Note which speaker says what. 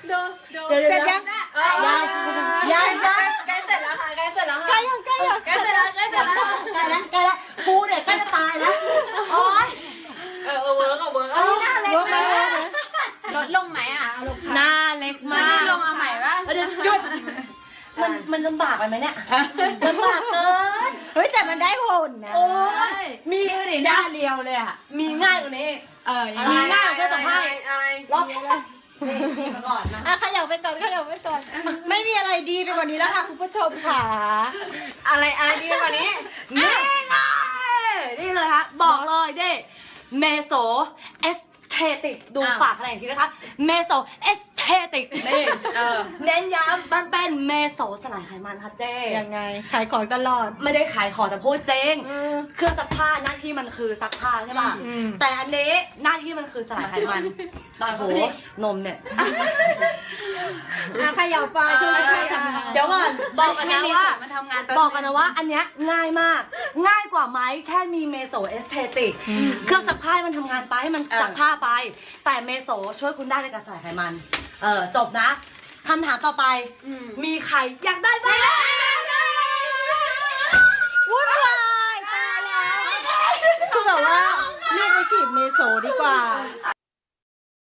Speaker 1: ดู
Speaker 2: เสร็จยัง
Speaker 1: ยังใกล้เสร็จแล้วค่ะใกล้เสร็จแล้วค่ะ
Speaker 2: ใกล้ยัง
Speaker 1: ใกล้เสร็จแล้วใกล้เสร็จแล้ว
Speaker 2: ใกล้แล้วกูเนี่ยใกล้จะตายแล้วโอ๊ย
Speaker 1: เวิร์กหน้าเล็กไหมลดลงไหมอ่ะ
Speaker 2: หน้าเล็ก
Speaker 1: ไม่
Speaker 2: มาก
Speaker 1: ได้ลงเอาใหม่ป่ะ
Speaker 2: เดี๋ยวหยุดมันลำบากไปไหมเนี่ยลำบากเกิน
Speaker 3: เฮ้ยแต่มันได้ผลนะ
Speaker 2: โอ้ยมี
Speaker 3: ดิหน้าเดียวเลยอ่ะ
Speaker 2: มีง่ายกว่านี้ มีง่ายกว่าเครื่องซักผ้า
Speaker 1: อะไร
Speaker 2: รอบนี่มาก่อนนะ
Speaker 3: อ่ะขยับไปก่อนไม่มีอะไรดีไปกว่านี้แล้วค่ะคุณผู้ชมค่ะ
Speaker 1: อะไรดีกว่านี้
Speaker 2: นี่เลยนี่เลยฮะบอกเลยเด้เมโซเอสเทติกดูปากอะไรอย่างทีนะคะเมโซเอสเทติกนี่เน้นย้ำมันเป็นเมโซสลายไขมันครับเจ้
Speaker 3: ยังไงขายของตลอด
Speaker 2: ไม่ได้ขายของแต่พูดจริงเครื่องซักผ้าหน้าที่มันคือซักผ้าใช่ป่ะแต่อันนี้หน้าที่มันคือสลายไขมันโอ้โหนมเนี่ย
Speaker 3: อ่ะขยับไปคือ
Speaker 2: เดี๋ยวก่อนบอกกันนะว่า
Speaker 1: มันทำงาน
Speaker 2: บอกกันนะว่าอันเนี้ยง่ายมาก ง่ายกว่าไหมแค่มีเมโซเอสเทติกเครื่องซักผ้าให้มันทำงานไปให้มันซักผ้าไป แต่เมโซช่วยคุณได้ในการสลายไขมันจบนะคำถามต่อไปมีใครอยากได้บ้าง
Speaker 3: วุ่นวายตายแล้วคือแบบว่ารีบไปฉีดเมโซดีกว่า